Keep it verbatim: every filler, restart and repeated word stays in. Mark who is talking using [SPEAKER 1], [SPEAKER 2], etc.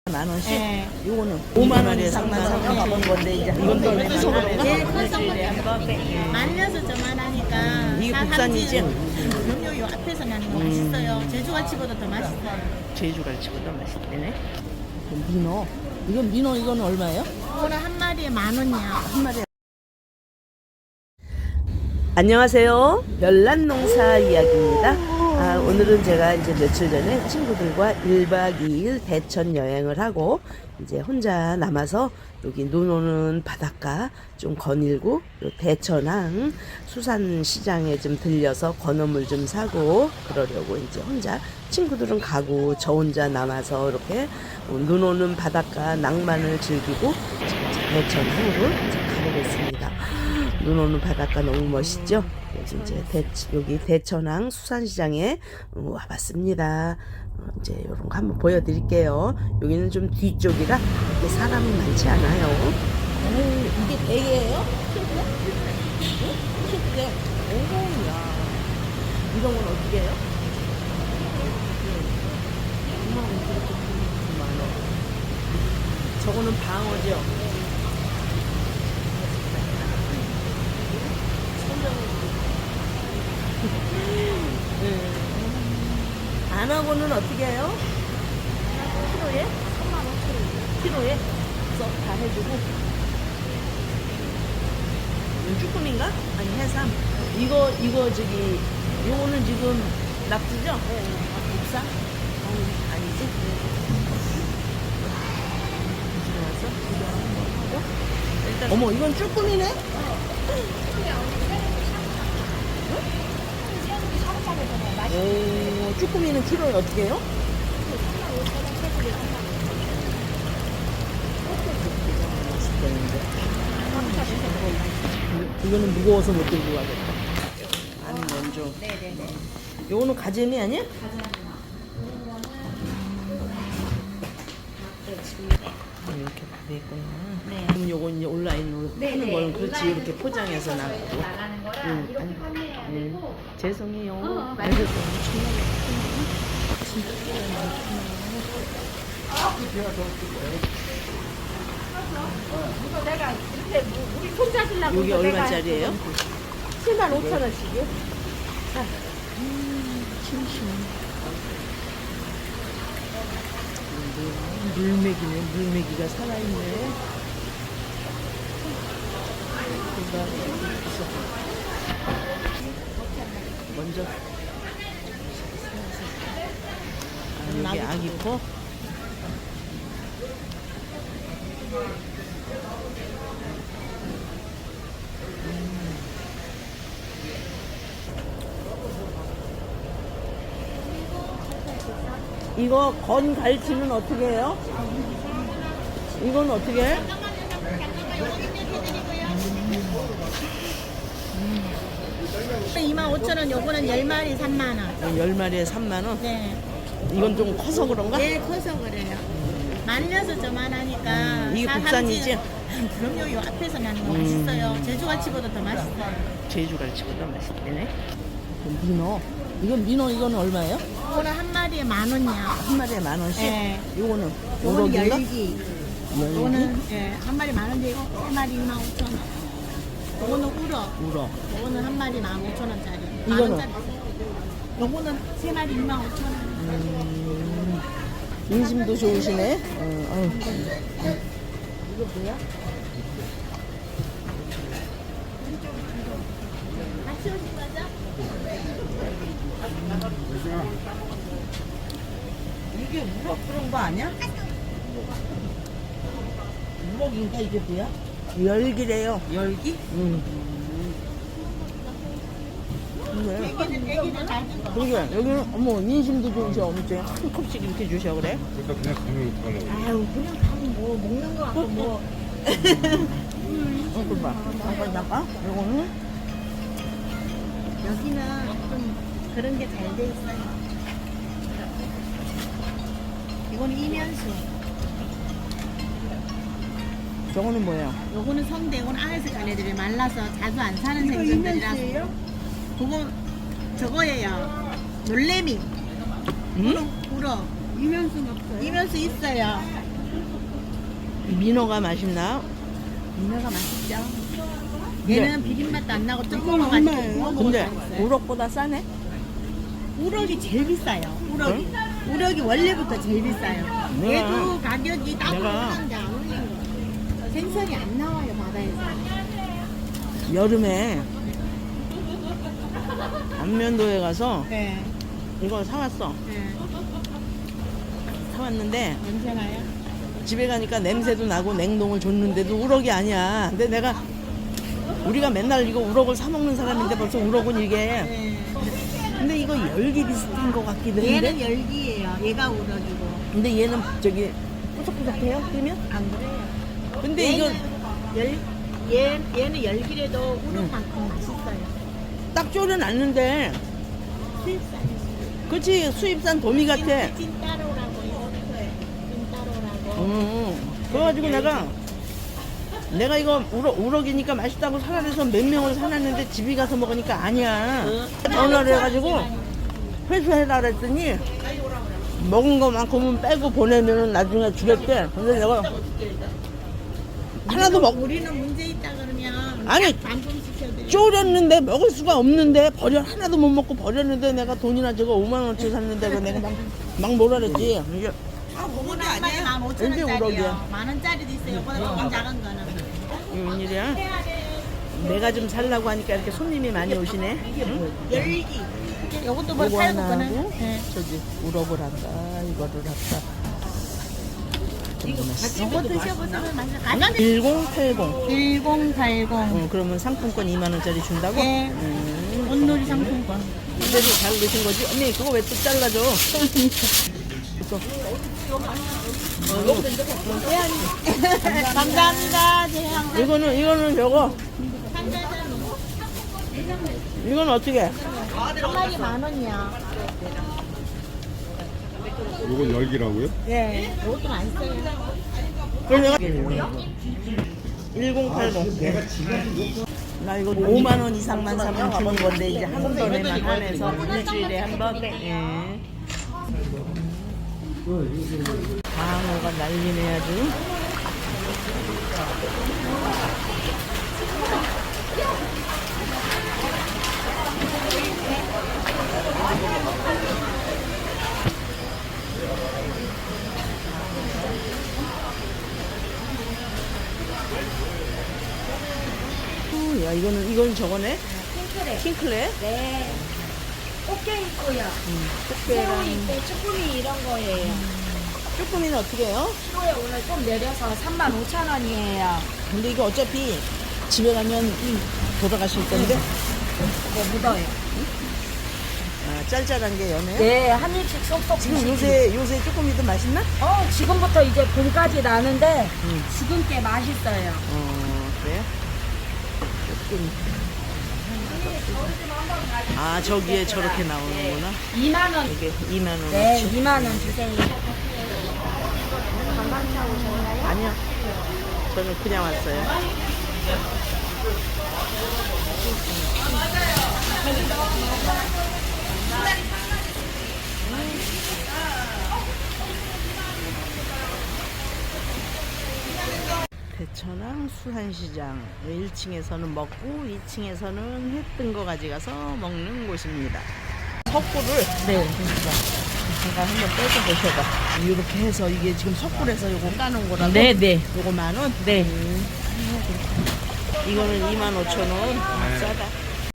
[SPEAKER 1] 만 원씩?
[SPEAKER 2] 네.
[SPEAKER 1] 요거는 오만 원에 삼만 삼천 원 건데 이제 이건 또 얼마나 그런가?
[SPEAKER 2] 예, 커서 말려서 저만하니까
[SPEAKER 1] 이게
[SPEAKER 2] 다
[SPEAKER 1] 국산이지?
[SPEAKER 2] 함지. 그럼요, 요 앞에서 나는 거 맛있어요. 제주갈치보다 더 맛있어요.
[SPEAKER 1] 제주갈치보다 맛있대네. 민어. 이건 민어 이거는 얼마예요?
[SPEAKER 2] 이거는 한 마리에 만 원이야.
[SPEAKER 1] 한 마리에. 안녕하세요. 별난농사 이야기입니다. 아, 오늘은 제가 이제 며칠 전에 친구들과 일박 이일 대천 여행을 하고 이제 혼자 남아서 여기 눈 오는 바닷가 좀 거닐고 대천항 수산시장에 좀 들려서 건어물 좀 사고 그러려고 이제 혼자 친구들은 가고 저 혼자 남아서 이렇게 눈 오는 바닷가 낭만을 즐기고 대천항으로 이제 가보겠습니다. 눈 오는 바닷가 너무 멋있죠? 그래서 이제 대, 여기 대천항 수산시장에 와봤습니다. 어, 이제 이런 거 한번 보여드릴게요. 여기는 좀 뒤쪽이라 이렇게 사람이 많지 않아요. 오, 이게 대게예요? 킹크랩? 응? 킹크랩. 오, 야. 이런 건 어떻게 해요? 이만 원, 이만 원. 저거는 방어죠? 안하고는 어떻게 해요? 키로에? 삼만 오천 원. 키로에? 썩 다 해주고. 이건 쭈꾸미인가? 아니 해삼. 이거 이거 저기 요거는 지금 낙지죠? 네. 국산? 아니, 아니지? 들어와서 이거 한번 하고. 일단 어머 이건 쭈꾸미네? 오, 쭈꾸미는 키로에 어떻게 해요? 이거는 무거워서 못 들고 가겠다. 아니 먼저. 네네네. 요거는 가재미 아니야? 이렇게 다 됐구나. 네. 그럼 요거 이제 온라인으로 파는 거는 그렇지 이렇게 포장해서 나가고.
[SPEAKER 2] 나가는 거랑
[SPEAKER 1] 응.
[SPEAKER 2] 이렇게 판매해야
[SPEAKER 1] 응.
[SPEAKER 2] 되고.
[SPEAKER 1] 죄송해요.
[SPEAKER 2] 어,
[SPEAKER 1] 그래서
[SPEAKER 2] 이거 내가 이렇게 우리 손잡으려고
[SPEAKER 1] 여기 얼마짜리예요?
[SPEAKER 2] 칠만 오천 원씩이요?
[SPEAKER 1] 물메기네, 물메기가 살아있네. 뭔가 있어. 먼저. 아, 여기 아기포? 이거 건 갈치는 어떻게 해요? 이건 어떻게 해?
[SPEAKER 2] 이만 오천 원, 요거는 열 마리 삼만 원.
[SPEAKER 1] 열 마리에 삼만 원?
[SPEAKER 2] 네.
[SPEAKER 1] 이건 좀 커서 그런가?
[SPEAKER 2] 예, 커서 그래요. 말려서 저만하니까.
[SPEAKER 1] 음, 이게
[SPEAKER 2] 다
[SPEAKER 1] 국산이지?
[SPEAKER 2] 함지. 그럼요, 요 앞에서 나는 거 맛있어요. 제주갈치보다 더 맛있어요.
[SPEAKER 1] 제주갈치보다 맛있대네. 민어. 이건 민어 이거는 얼마예요?
[SPEAKER 2] 이거는 한 마리에 만 원이야.
[SPEAKER 1] 한 마리에 만 원씩?
[SPEAKER 2] 네.
[SPEAKER 1] 요거는
[SPEAKER 2] 요거는
[SPEAKER 1] 우럭인가?
[SPEAKER 2] 열기.
[SPEAKER 1] 열기?
[SPEAKER 2] 요거는 예, 한 마리 만 원인데 이거 세 마리 이만 오천 원. 요거는 우럭.
[SPEAKER 1] 우럭.
[SPEAKER 2] 요거는 한 마리 만 오천 원짜리. 만
[SPEAKER 1] 이거는?
[SPEAKER 2] 원짜리. 요거는 세 마리 이만 오천 원.
[SPEAKER 1] 음, 인심도 좋으시네. 어, 어. 이거 뭐야?
[SPEAKER 2] 같이 오신 거죠?
[SPEAKER 1] 이게 우럭 그런 거 아니야? 우럭인가 이게 뭐야? 열기래요. 열기? 응. 그래.
[SPEAKER 2] 애기는 애기는 잘 든 거.
[SPEAKER 1] 그게 여기는 어머 인심도 좋으셔. 어머니 한 컵씩 이렇게 주셔 그래?
[SPEAKER 3] 그러니까 그냥 가면 어떡하려고.
[SPEAKER 2] 아유 그냥 가면 뭐 먹는 거 같고 뭐.
[SPEAKER 1] 어, 그 봐. 잠깐 잠깐. 요거는
[SPEAKER 2] 여기는 좀 그런 게 잘 돼 있어요. 이거는 이면수.
[SPEAKER 1] 저거는 뭐예요?
[SPEAKER 2] 요거는 성대. 이건 안에서 까내들이 말라서 자주 안 사는 생선들이라서. 그거 저거예요. 놀래미.
[SPEAKER 1] 응?
[SPEAKER 2] 우럭.
[SPEAKER 4] 이면수는 없어요?
[SPEAKER 2] 이면수 있어요.
[SPEAKER 1] 민어가 맛있나?
[SPEAKER 2] 민어가 맛있죠. 얘는 비린맛도 안 나고 뜨거운 거 맛있고 구워 먹어도
[SPEAKER 1] 근데
[SPEAKER 2] 맛있어요.
[SPEAKER 1] 우럭보다 싸네?
[SPEAKER 2] 우럭이 제일 비싸요. 우럭이. 우럭이 원래부터 제일 비싸요.
[SPEAKER 1] 내가-
[SPEAKER 2] 얘도 가격이
[SPEAKER 1] 내가-
[SPEAKER 2] 따뜻한데 안 올린 거. 생선이 안 나와요 바다에서.
[SPEAKER 1] 여름에 안면도에 가서
[SPEAKER 2] 네.
[SPEAKER 1] 이걸 사왔어.
[SPEAKER 2] 네.
[SPEAKER 1] 사왔는데
[SPEAKER 2] 냄새 나요?
[SPEAKER 1] 집에 가니까 냄새도 나고 냉동을 줬는데도 우럭이 아니야. 근데 내가 우리가 맨날 이거 우럭을 사 먹는 사람인데 벌써 우럭은 이게
[SPEAKER 2] 네.
[SPEAKER 1] 근데 이거 열기 비슷한 것 같기도 한데
[SPEAKER 2] 얘는 열기예요. 얘가 우럭이고.
[SPEAKER 1] 근데 얘는 저기 뿌석뿌석해요? 그러면?
[SPEAKER 2] 안 그래요.
[SPEAKER 1] 근데 이거
[SPEAKER 2] 열, 얘, 얘는 열기래도 우럭만큼 맛있어요.
[SPEAKER 1] 딱 졸여놨는데
[SPEAKER 2] 수입산이에요.
[SPEAKER 1] 그치 수입산 도미 같아.
[SPEAKER 2] 찐따로라고 이거는 찐따로라고.
[SPEAKER 1] 음, 그래가지고 내가 내가 이거 우럭, 우럭이니까 맛있다고 사라져서 몇 명을 사놨는데 집에 가서 먹으니까 아니야. 전화를 해가지고 회수해라 그랬더니 먹은 것만큼은 빼고 보내면은 나중에 주겠대. 근데 내가 하나도 먹
[SPEAKER 2] 우리는 문제 있다 그러면
[SPEAKER 1] 아니,
[SPEAKER 2] 반품 시켜드려요.
[SPEAKER 1] 졸였는데 먹을 수가 없는데 버려 하나도 못 먹고 버렸는데 내가 돈이나 저거 오만 원치 샀는데 그거 내가 막, 막 뭐라 그랬지. 이게
[SPEAKER 2] 아, 그거는 한 마리 만 오천
[SPEAKER 1] 왠지 우럭이야.
[SPEAKER 2] 원짜리요. 만 원짜리도 있어요. 이거보다 조금 작은 거는.
[SPEAKER 1] 이게 웬일이야? 내가 좀 살라고 하니까 이렇게 손님이 많이 오시네. 응?
[SPEAKER 2] 열기. 이것도 뭐
[SPEAKER 1] 요거
[SPEAKER 2] 팔고
[SPEAKER 1] 하나
[SPEAKER 2] 거는.
[SPEAKER 1] 하고
[SPEAKER 2] 네.
[SPEAKER 1] 저기 우럭을 한다 이거를 한다.
[SPEAKER 2] 이거 드셔보시면 맛있어요.
[SPEAKER 1] 일공팔공.
[SPEAKER 2] 일공팔공.
[SPEAKER 1] 응, 그러면 상품권 이만 원짜리 준다고?
[SPEAKER 2] 네.
[SPEAKER 1] 음,
[SPEAKER 2] 온누리 상품권.
[SPEAKER 1] 그래도 잘 드신 거지? 언니 그거 왜 또 잘라줘? 또.
[SPEAKER 2] 감사합니다. 제 항상
[SPEAKER 1] 이거는 이거는 저거
[SPEAKER 2] 상자는
[SPEAKER 1] 이건 어떻게?
[SPEAKER 2] 한 마리 만 원이야.
[SPEAKER 3] 요건 열기라고요?
[SPEAKER 2] 네. 이것도 맛있어요.
[SPEAKER 1] 그래서 내가 일공팔공. 나 이거 오만 원 이상만 사면 주는 건데 이제 한 번에만 한해서 일주일에 한 번. 예. 방어가 난리네 아주. 오, 야 이거는 이건 저거네.
[SPEAKER 4] 핑크래.
[SPEAKER 1] 킹클레.
[SPEAKER 4] 네. 꽃게 있고요. 새우
[SPEAKER 1] 꽃게랑
[SPEAKER 4] 있고 쭈꾸미 이런 거예요.
[SPEAKER 1] 쭈꾸미는 어떻게 해요?
[SPEAKER 4] 키로에 오늘 좀 내려서 삼만 오천 원이에요.
[SPEAKER 1] 근데 이거 어차피 집에 가면 돌아가실 건데.
[SPEAKER 4] 네, 묻어요.
[SPEAKER 1] 아, 짤짤한 게 연해요?
[SPEAKER 4] 네, 한 입씩 쏙쏙
[SPEAKER 1] 지금
[SPEAKER 4] 드시지.
[SPEAKER 1] 요새 요새 쭈꾸미도 맛있나?
[SPEAKER 4] 어, 지금부터 이제 봄까지 나는데
[SPEAKER 1] 응.
[SPEAKER 4] 지금 게 맛있어요.
[SPEAKER 1] 어 그래요? 쭈꾸미. 아 저기에 저렇게 나오는구나.
[SPEAKER 4] 이만 원.
[SPEAKER 1] 이게 이만 원.
[SPEAKER 4] 네, 이만 원 주세요.
[SPEAKER 1] 아니요. 저는 그냥 왔어요. 대천항 수산시장 일 층에서는 먹고 이 층에서는 회 뜬 거 가져가서 먹는 곳입니다. 석굴을
[SPEAKER 4] 네.
[SPEAKER 1] 제가 한번 떼서 보셔봐. 이렇게 해서 이게 지금 석굴에서 요거 까놓은 거라고?
[SPEAKER 4] 네, 네.
[SPEAKER 1] 요거 만 원?
[SPEAKER 4] 네.
[SPEAKER 1] 음. 이거는 이만 오천 원. 아, 싸다.